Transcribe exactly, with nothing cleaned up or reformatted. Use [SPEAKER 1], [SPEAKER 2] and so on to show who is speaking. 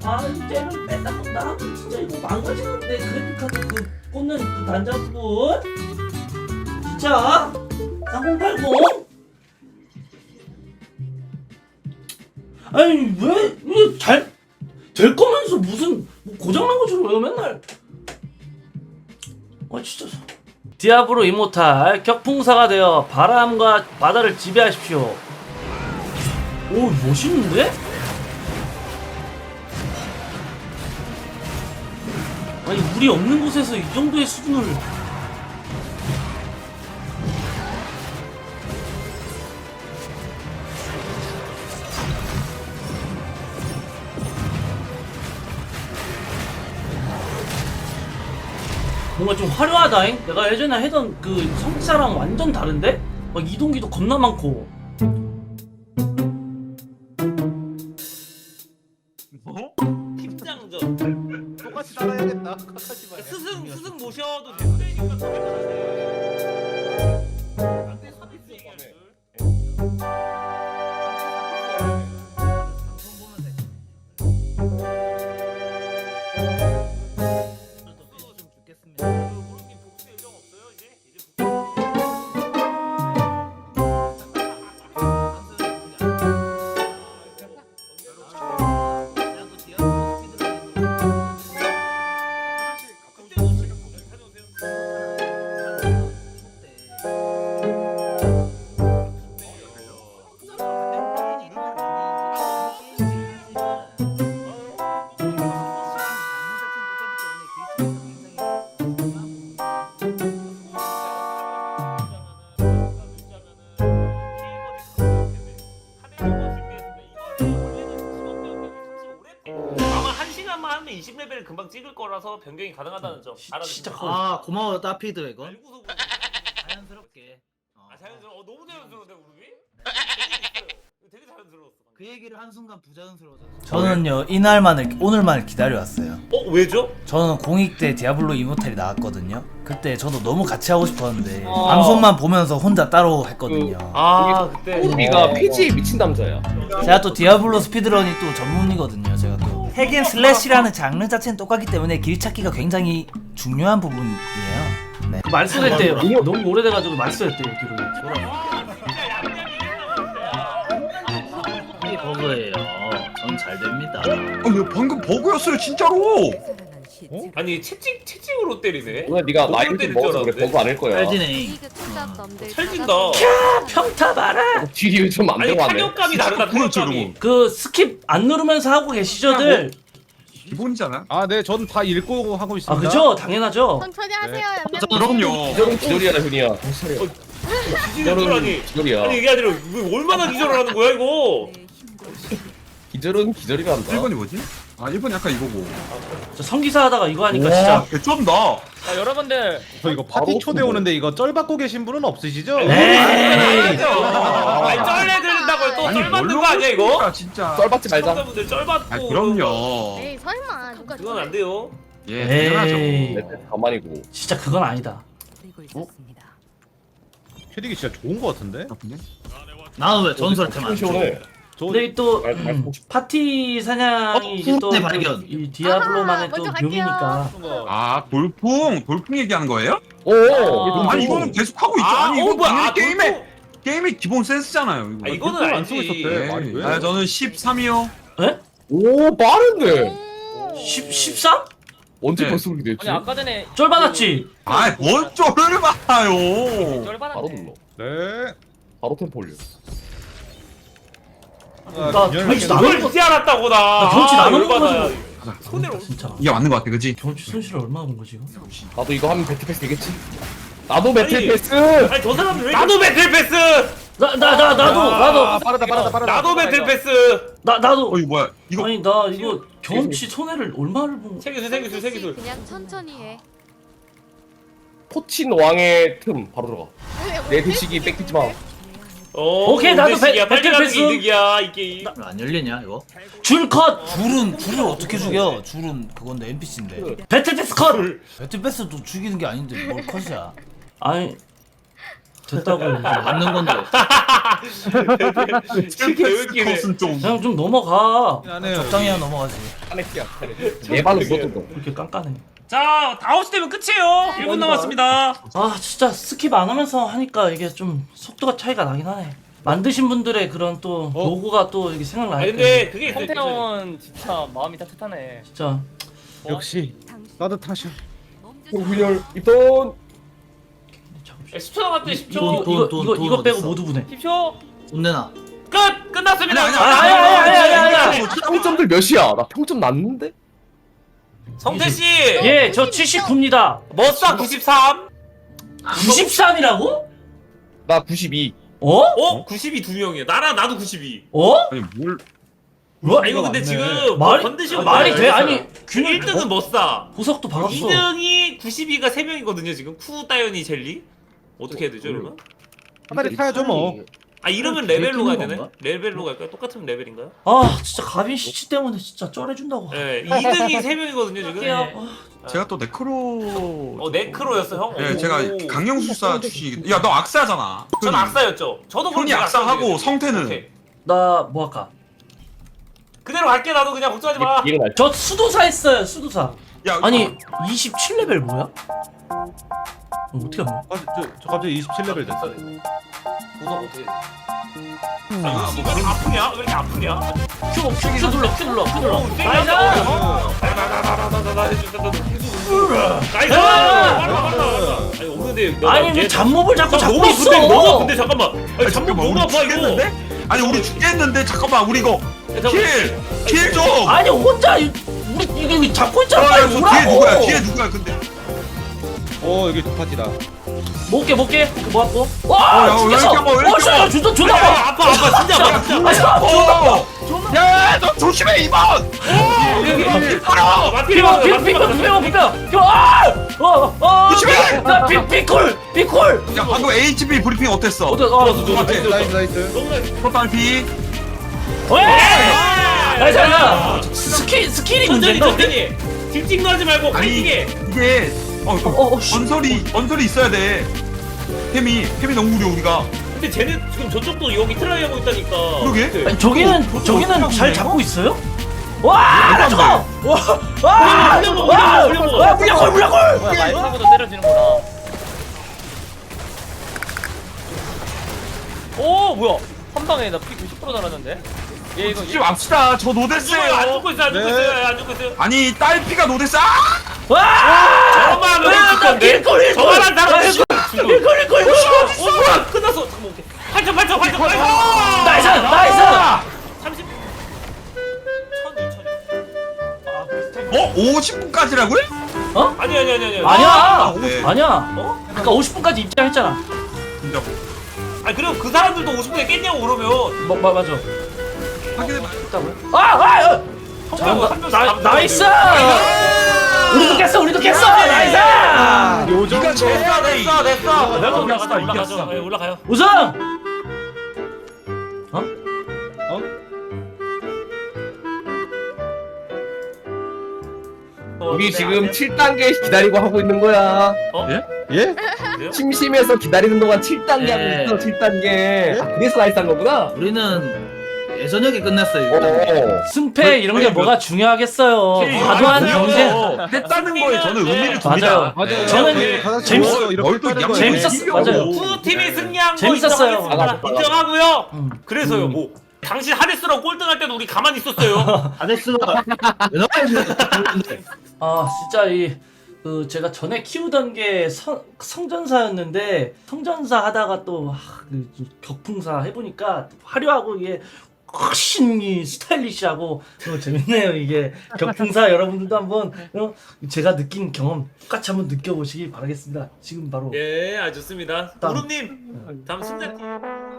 [SPEAKER 1] 아 이제는 맨날 나 진짜 이거 망가지는데 그래픽카드 그 꽂는 그 단자분 진짜 삼공팔공 아니 왜 이게 잘 될 거면서 무슨 뭐 고장난 것처럼 왜 맨날 아 진짜 디아블로 이모탈 격풍사가 되어 바람과 바다를 지배하십시오. 오 멋있는데? 아니 물이 없는 곳에서 이 정도의 수준을 뭔가 좀 화려하다잉? 내가 예전에 하던 그 성사랑 완전 다른데? 막 이동기도 겁나 많고
[SPEAKER 2] 뭐?
[SPEAKER 1] 팀장전
[SPEAKER 2] 똑같이 따라야겠다. 카카시만.
[SPEAKER 1] 스승 스승 모셔도 되니까 이십 레벨 금방 찍을 거라서 변경이 가능하다는 점 알아주시면
[SPEAKER 3] 아 고마워 따피드 이거.
[SPEAKER 1] 알고서
[SPEAKER 3] 자연스럽게. 어.
[SPEAKER 1] 아 자연스러워. 어, 너무 자연스러운데 우르비? 되게 자연스러웠어.
[SPEAKER 3] 그 얘기를 한 순간 부자연스러워졌어.
[SPEAKER 4] 저는요 이날만을 오늘만을 기다려왔어요.
[SPEAKER 1] 어 왜죠?
[SPEAKER 4] 저는 공익 때 디아블로 이모탈이 나왔거든요. 그때 저도 너무 같이 하고 싶었는데
[SPEAKER 1] 어.
[SPEAKER 4] 방송만 보면서 혼자 따로 했거든요.
[SPEAKER 1] 아 그때
[SPEAKER 5] 우리가 피지에 미친 남자야.
[SPEAKER 4] 제가 또 디아블로 스피드런이 또 전문이거든요. 제가 또 핵앤 슬래시라는 장르 자체는 똑같기 때문에 길 찾기가 굉장히 중요한 부분이에요. 네.
[SPEAKER 1] 말소됐대요. 너무 오래돼가지고 말소됐대요 기록이.
[SPEAKER 3] 이게 버그예요. 전 잘 됩니다.
[SPEAKER 2] 아니 방금 버그였어요 진짜로.
[SPEAKER 1] 아니 채찍 채찍으로 때리네.
[SPEAKER 5] 오늘 네가
[SPEAKER 1] 버그로
[SPEAKER 5] 나이를
[SPEAKER 1] 때릴
[SPEAKER 5] 먹어서
[SPEAKER 1] 줄
[SPEAKER 5] 그래 버그 아닐 거야.
[SPEAKER 3] 찰지네.
[SPEAKER 1] 찰진다. 평타 봐라.
[SPEAKER 5] 딜이 좀 안
[SPEAKER 1] 아니
[SPEAKER 5] 되고 하네.
[SPEAKER 1] 타격감이 다르다.
[SPEAKER 2] 그렇죠,
[SPEAKER 1] 타격감이. 그 스킵 안 누르면서 하고 계시죠들.
[SPEAKER 2] 기본이잖아.
[SPEAKER 6] 아, 네, 전 다 읽고 하고
[SPEAKER 1] 아
[SPEAKER 6] 있습니다.
[SPEAKER 1] 그죠? 당연하죠.
[SPEAKER 7] 천천히 하세요.
[SPEAKER 2] 그럼요.
[SPEAKER 5] 기절은 기절이야 훈이야.
[SPEAKER 1] 기절은 아니.
[SPEAKER 5] 기절이야.
[SPEAKER 1] 아니 이게 아니라 왜 얼마나 기절을 하는 거야 이거?
[SPEAKER 5] 기절은 기절이란다.
[SPEAKER 2] 일 번이 뭐지? 아 일 번이 약간 이거고.
[SPEAKER 1] 저 성기사 하다가 이거 하니까
[SPEAKER 2] 와
[SPEAKER 1] 진짜.
[SPEAKER 2] 개쩐다.
[SPEAKER 1] 아 여러분들.
[SPEAKER 6] 저 이거 파티
[SPEAKER 5] 바로
[SPEAKER 6] 초대 오는데 이거 쩔 받고 계신 분은 없으시죠?
[SPEAKER 1] 에이. 아니 쩔내 들린다고 또 쩔 받는 거 아니야 이거?
[SPEAKER 2] 아, 진짜.
[SPEAKER 5] 썰 받지 말자.
[SPEAKER 1] 시청자분들 쩔 받고.
[SPEAKER 2] 아 그럼요.
[SPEAKER 7] 에이 설마 누가
[SPEAKER 1] 그건 안 돼요.
[SPEAKER 2] 예
[SPEAKER 1] 에이.
[SPEAKER 2] 당연하죠.
[SPEAKER 5] 내 가만히고.
[SPEAKER 1] 진짜 그건 아니다.
[SPEAKER 6] 캐릭이 진짜 좋은 거 같은데?
[SPEAKER 2] 나쁜데?
[SPEAKER 3] 나는 왜 전설템 안 줘?
[SPEAKER 5] 시원해.
[SPEAKER 6] 저
[SPEAKER 1] 근데 또
[SPEAKER 5] 말- 말-
[SPEAKER 1] 음, 파티 사냥이
[SPEAKER 3] 어,
[SPEAKER 1] 이제 또
[SPEAKER 3] 후대 발견.
[SPEAKER 1] 이 디아블로만의
[SPEAKER 7] 아하,
[SPEAKER 1] 또
[SPEAKER 7] 먼저 갈게요.
[SPEAKER 1] 묘미니까.
[SPEAKER 2] 아 돌풍 돌풍 얘기하는 거예요?
[SPEAKER 5] 오.
[SPEAKER 1] 아,
[SPEAKER 2] 아니 이거는 계속 하고 있죠.
[SPEAKER 1] 아,
[SPEAKER 2] 아니
[SPEAKER 1] 어,
[SPEAKER 2] 이거
[SPEAKER 1] 뭐야?
[SPEAKER 2] 당연히
[SPEAKER 1] 아,
[SPEAKER 2] 게임의
[SPEAKER 1] 돌풍.
[SPEAKER 2] 게임의 기본 센스잖아요. 이거.
[SPEAKER 1] 아 이거는
[SPEAKER 6] 돌풍 안
[SPEAKER 1] 알지.
[SPEAKER 6] 쓰고 있었대.
[SPEAKER 2] 네.
[SPEAKER 6] 말이 왜?
[SPEAKER 2] 아 저는 십삼이요.
[SPEAKER 1] 에?
[SPEAKER 5] 오 빠른데.
[SPEAKER 1] 십 십삼?
[SPEAKER 5] 언제
[SPEAKER 2] 네.
[SPEAKER 5] 벌써 그렇게 됐지?
[SPEAKER 8] 아니 아까 전에
[SPEAKER 1] 쫄 받았지.
[SPEAKER 2] 아뭘 쫄을 봐요.
[SPEAKER 8] 쩔
[SPEAKER 5] 바로
[SPEAKER 8] 받았네.
[SPEAKER 5] 눌러.
[SPEAKER 6] 네.
[SPEAKER 5] 바로 템포 올려.
[SPEAKER 6] 아,
[SPEAKER 1] 나
[SPEAKER 6] 그냥
[SPEAKER 1] 경치
[SPEAKER 6] 이렇게
[SPEAKER 1] 나눠
[SPEAKER 8] 이걸 이제 알았다고 나.
[SPEAKER 1] 나 경치 나눠
[SPEAKER 8] 열받아.
[SPEAKER 1] 먹어가지고.
[SPEAKER 8] 손해로.
[SPEAKER 1] 진짜.
[SPEAKER 2] 이게 맞는 거 같아, 그지?
[SPEAKER 1] 경치 손실을 얼마나 본 거지 이거?
[SPEAKER 5] 나도 이거 하면 배틀 패스 되겠지? 나도 배틀
[SPEAKER 8] 아니,
[SPEAKER 5] 패스.
[SPEAKER 8] 아니 저 사람들 왜? 나도 배틀 패스.
[SPEAKER 1] 나 나 나 나도
[SPEAKER 6] 아,
[SPEAKER 1] 나도
[SPEAKER 6] 빠르다, 빠르다, 빠르다.
[SPEAKER 8] 나도 배틀 패스.
[SPEAKER 1] 나 나도.
[SPEAKER 2] 어 이거 뭐야? 이거
[SPEAKER 1] 아니 나 이거 경치 손해를 얼마를 본?
[SPEAKER 8] 세기술 세기술 세기술.
[SPEAKER 7] 그냥 천천히 해.
[SPEAKER 5] 포친 왕의 틈 바로 들어가.
[SPEAKER 7] 왜,
[SPEAKER 5] 내 뒤치기 뺏기지 마.
[SPEAKER 8] 어.
[SPEAKER 1] 오케이, 나도 배-
[SPEAKER 8] 배틀
[SPEAKER 1] 배틀
[SPEAKER 8] 패스
[SPEAKER 1] 패스.
[SPEAKER 8] 이득이야 이 게임.
[SPEAKER 3] 안 열리냐 이거?
[SPEAKER 1] 줄 컷.
[SPEAKER 4] 줄은 줄을 어떻게 죽여? 줄은 그건데 엔피씨인데.
[SPEAKER 1] 배틀 패스 컷.
[SPEAKER 4] 배틀패스도 죽이는 게 아닌데 뭘 컷이야?
[SPEAKER 1] 아니
[SPEAKER 4] 됐다고.
[SPEAKER 3] 맞는 건데.
[SPEAKER 8] 개웃기네.
[SPEAKER 2] 컷은 좀
[SPEAKER 4] 그냥 좀 넘어가.
[SPEAKER 6] 미안해요.
[SPEAKER 4] 적당히 하면 넘어가지.
[SPEAKER 5] 카네키야 내 발로 못 던져.
[SPEAKER 4] 이렇게 깐깐해.
[SPEAKER 8] 자, 다섯 시 되면 끝이에요. 일 분 남았습니다.
[SPEAKER 4] 아 진짜 스킵 안 하면서 하니까 이게 좀 속도가 차이가 나긴 하네. 만드신 분들의 그런 또
[SPEAKER 6] 어?
[SPEAKER 4] 로고가 또 이게
[SPEAKER 8] 아
[SPEAKER 4] 생각나니까.
[SPEAKER 8] 근데 그게 있어요.
[SPEAKER 9] 성태형은 진짜 마음이 따뜻하네.
[SPEAKER 4] 진짜
[SPEAKER 6] 역시 따뜻하셔.
[SPEAKER 5] 훈련 입돈.
[SPEAKER 8] 십 초 남았대. 십
[SPEAKER 4] 이거
[SPEAKER 8] 초.
[SPEAKER 4] 이거
[SPEAKER 3] 돈,
[SPEAKER 4] 이거
[SPEAKER 3] 돈
[SPEAKER 4] 이거 빼고
[SPEAKER 3] 어딨어?
[SPEAKER 4] 모두 보내.
[SPEAKER 9] 십 초.
[SPEAKER 3] 돈 내놔.
[SPEAKER 8] 끝. 끝났습니다.
[SPEAKER 2] 아니,
[SPEAKER 4] 아니, 아니, 아니, 아니, 아니, 아니.
[SPEAKER 5] 평점들 몇이야? 나 평점 났는데?
[SPEAKER 8] 성태 씨.
[SPEAKER 4] 예, 저 칠십구입니다.
[SPEAKER 8] 머싸 구십삼.
[SPEAKER 4] 구십삼이라고?
[SPEAKER 5] 나 구십이.
[SPEAKER 4] 어?
[SPEAKER 8] 어? 구십이 두 명이야. 나랑 나도 구십이.
[SPEAKER 4] 어?
[SPEAKER 2] 아니 뭘
[SPEAKER 4] 뭐?
[SPEAKER 8] 아 이거 근데
[SPEAKER 6] 맞네.
[SPEAKER 8] 지금
[SPEAKER 4] 말이
[SPEAKER 8] 건드시고
[SPEAKER 4] 말이 돼? 아니 균
[SPEAKER 8] 일 등은 머싸.
[SPEAKER 4] 보석도 박았어.
[SPEAKER 8] 이 등이 구십이가 세 명이거든요 지금. 쿠 따연이 젤리. 어떻게 해야 되죠 그러면?
[SPEAKER 6] 사다리 타야죠 뭐.
[SPEAKER 8] 아 이러면
[SPEAKER 3] 그게
[SPEAKER 8] 레벨로 가야
[SPEAKER 3] 뜨는
[SPEAKER 8] 되네?
[SPEAKER 3] 건가?
[SPEAKER 8] 레벨로 갈까요? 똑같은 레벨인가요?
[SPEAKER 4] 아 진짜 가빈 씨치 때문에 진짜 쩔해준다고.
[SPEAKER 8] 네, 이 등이 세 명이거든요 지금.
[SPEAKER 4] 할게요.
[SPEAKER 2] 제가 또 네크로
[SPEAKER 8] 어 네크로였어 형.
[SPEAKER 2] 예,
[SPEAKER 8] 오.
[SPEAKER 2] 제가 강령술사 출신이거든. 야, 너 악사잖아.
[SPEAKER 8] 전 악사였죠. 저도 그럼
[SPEAKER 2] 형이
[SPEAKER 8] 제가
[SPEAKER 2] 악사하고
[SPEAKER 8] 악사였어요.
[SPEAKER 2] 성태는
[SPEAKER 8] 오케이.
[SPEAKER 4] 나 뭐 할까?
[SPEAKER 8] 그대로 갈게 나도 그냥 걱정하지 마.
[SPEAKER 5] 얘는 알.
[SPEAKER 4] 저 수도사 했어요 수도사.
[SPEAKER 2] 야,
[SPEAKER 4] 아니 이십칠 레벨 뭐야? 어, 어떻게 하면?
[SPEAKER 6] 아, 저, 저 갑자기 이십칠 레벨 됐어.
[SPEAKER 8] 보석 어떻게? 아 이거 시간이 아프냐? 왜 이렇게 아프냐?
[SPEAKER 4] 큐, 큐, 큐 눌러 큐 눌러 큐 눌러.
[SPEAKER 8] 나이스! 나이스! 빨라 빨라 빨라. 아니 없는데. 너가
[SPEAKER 4] 아니 왜
[SPEAKER 8] 얘-
[SPEAKER 4] 잡몹을 자꾸
[SPEAKER 8] 나
[SPEAKER 4] 잡고
[SPEAKER 8] 너무
[SPEAKER 4] 있어?
[SPEAKER 8] 아픈데 너무 아픈데 잠깐만. 아니
[SPEAKER 2] 아니,
[SPEAKER 8] 잠깐
[SPEAKER 2] 잠깐만,
[SPEAKER 8] 너무
[SPEAKER 2] 우리
[SPEAKER 8] 아파 이거.
[SPEAKER 2] 죽겠는데? 아니, 우리 죽겠는데? 잠깐만, 우리 이거
[SPEAKER 8] 야, 잠깐만.
[SPEAKER 2] 킬! 킬 좀!
[SPEAKER 4] 아니 혼자 이- 우리 이게 잡고 있잖아.
[SPEAKER 2] 아,
[SPEAKER 4] 빨리
[SPEAKER 2] 이거 뒤에 누구야?
[SPEAKER 4] 오라고.
[SPEAKER 2] 뒤에 누구야? 근데
[SPEAKER 6] 어 여기 두 파티다.
[SPEAKER 4] 먹게 먹게 모았고.
[SPEAKER 2] 어,
[SPEAKER 4] 와
[SPEAKER 2] 야, 왜
[SPEAKER 4] 죽겠어.
[SPEAKER 2] 이렇게 아파, 왜 이렇게
[SPEAKER 4] 어 진짜
[SPEAKER 2] 아파?
[SPEAKER 4] 존나 존나
[SPEAKER 8] 야, 야,
[SPEAKER 4] 아파.
[SPEAKER 8] 아파 아파 진짜 아파 진짜.
[SPEAKER 4] 아 진짜
[SPEAKER 2] 어! 야, 너 조심해, 이번! 바로!
[SPEAKER 8] 맞게
[SPEAKER 4] 피고
[SPEAKER 8] 맞게
[SPEAKER 4] 피고
[SPEAKER 8] 맞게
[SPEAKER 4] 피고
[SPEAKER 8] 맞게
[SPEAKER 4] 피고 피고 피고 아! 어! 어!
[SPEAKER 2] 조심해!
[SPEAKER 4] 나 피, 피콜! 피콜!
[SPEAKER 2] 야, 방금 에이치피 브리핑 어땠어?
[SPEAKER 4] 어때? 어!
[SPEAKER 2] 똑같아.
[SPEAKER 6] 나이스 나이스.
[SPEAKER 8] 너무 나이스.
[SPEAKER 2] 토탈피.
[SPEAKER 4] 왜?
[SPEAKER 8] 나이스
[SPEAKER 4] 야, 스킬 스킬이
[SPEAKER 8] 천천히
[SPEAKER 4] 문제인가?
[SPEAKER 8] 천천히. 딜찍 하지 말고
[SPEAKER 2] 아니,
[SPEAKER 8] 파이팅해.
[SPEAKER 2] 이게, 어, 이거
[SPEAKER 4] 어, 어, 씨.
[SPEAKER 2] 언설이, 언설이 있어야 돼. 템이, 템이 너무 무려, 우리가.
[SPEAKER 8] 근데 쟤는 지금 저쪽도 여기 트라이 하고 있다니까.
[SPEAKER 2] 그러게.
[SPEAKER 4] 아니, 저기는 저기는 잘 잡고 있어요? 와! 나 저거! 와! 와!
[SPEAKER 8] 물려 먹어,
[SPEAKER 4] 와!
[SPEAKER 8] 물려 먹어.
[SPEAKER 4] 와! 물려골 물려골!
[SPEAKER 9] 뭐야 말 타고도 때려지는구나. 오 뭐야? 한 방에 나 피 구십 퍼센트 달았는데. 얘 이거
[SPEAKER 2] 죽지 맙시다. 저
[SPEAKER 8] 안
[SPEAKER 2] 노데스예요.
[SPEAKER 8] 죽고 있어 안 죽고
[SPEAKER 6] 네.
[SPEAKER 8] 있어요 안 죽고 있어요.
[SPEAKER 2] 아니, 딸피가 노데스. 아!
[SPEAKER 4] 와!
[SPEAKER 8] 저것만 하면
[SPEAKER 4] 와,
[SPEAKER 8] 죽을 건데.
[SPEAKER 4] 일골, 일골.
[SPEAKER 8] 저만 한 사람
[SPEAKER 4] 나
[SPEAKER 8] 죽어.
[SPEAKER 4] 일골 일골 일골!
[SPEAKER 8] 어 뭐야 끝났어. 잠깐만 오케이. 팔천 팔천 팔천 팔천.
[SPEAKER 4] 나이스! 나이스!
[SPEAKER 8] 삼십. 천 이천.
[SPEAKER 2] 어? 오십 분까지라고요?
[SPEAKER 8] 아니 아니 아니 아니.
[SPEAKER 4] 아니야!
[SPEAKER 2] 네.
[SPEAKER 4] 아니야!
[SPEAKER 8] 어?
[SPEAKER 4] 아까 오십 분까지 입장했잖아.
[SPEAKER 2] 진짜.
[SPEAKER 8] 아니 그럼 그 사람들도 오십 분에 깼냐고 그러면.
[SPEAKER 4] 뭐, 뭐 맞아.
[SPEAKER 2] 확인해봐.
[SPEAKER 4] 아! 아! 아!
[SPEAKER 8] 성대가 한 명씩
[SPEAKER 4] 나,
[SPEAKER 8] 잡는
[SPEAKER 4] 나이스!
[SPEAKER 8] 건데.
[SPEAKER 4] 우리도 깼어! 우리도 깼어! 나이스!
[SPEAKER 6] 요 정도.
[SPEAKER 8] 됐어 됐어 됐어.
[SPEAKER 2] 내가
[SPEAKER 8] 올라가자
[SPEAKER 2] 이겼어,
[SPEAKER 8] 올라가자.
[SPEAKER 2] 이겼어.
[SPEAKER 8] 네, 올라가요.
[SPEAKER 4] 우승!
[SPEAKER 8] 어,
[SPEAKER 5] 우리
[SPEAKER 8] 네,
[SPEAKER 5] 지금
[SPEAKER 8] 안 돼.
[SPEAKER 5] 칠 단계 기다리고 하고 있는 거야.
[SPEAKER 6] 예?
[SPEAKER 5] 심심해서 기다리는 동안 칠 단계 하고
[SPEAKER 3] 예.
[SPEAKER 5] 있어. 칠 단계. 아, 그래서 나이스 한 거구나.
[SPEAKER 3] 우리는 예전역에 끝냈어요.
[SPEAKER 5] 어.
[SPEAKER 3] 이거.
[SPEAKER 4] 승패 이런 게 뭐가 중요하겠어요. 과도한 경쟁.
[SPEAKER 2] 했다는 거에 저는 의미를 둡니다.
[SPEAKER 4] 맞아요.
[SPEAKER 6] 맞아요.
[SPEAKER 4] 저는
[SPEAKER 6] 네, 가장
[SPEAKER 4] 재밌-
[SPEAKER 6] 좋아요. 이렇게
[SPEAKER 2] 널도
[SPEAKER 6] 했다는
[SPEAKER 2] 양-
[SPEAKER 6] 거예요.
[SPEAKER 4] 재밌었어. 맞아요.
[SPEAKER 8] 후 팀이 승리한 거
[SPEAKER 4] 재밌었어요.
[SPEAKER 8] 인정하겠습니다.
[SPEAKER 5] 맞아, 맞아.
[SPEAKER 8] 인정하고요.
[SPEAKER 4] 음.
[SPEAKER 8] 그래서요 뭐 당신 하데스랑 꼴등할 때도 우리 가만히 있었어요.
[SPEAKER 3] 아데스가 왜 나왔는데?
[SPEAKER 4] 아 진짜 이 그 제가 전에 키우던 게 성, 성전사였는데 성전사 하다가 또 아, 그 격풍사 해보니까 화려하고 이게 훨씬 이 스타일리시하고 어, 재밌네요 이게 격풍사 여러분들도 한번 어, 제가 느낀 경험 똑같이 한번 느껴보시기 바라겠습니다. 지금 바로
[SPEAKER 8] 예, 아 좋습니다.
[SPEAKER 4] 다음.
[SPEAKER 8] 우름님 다음 승자팀.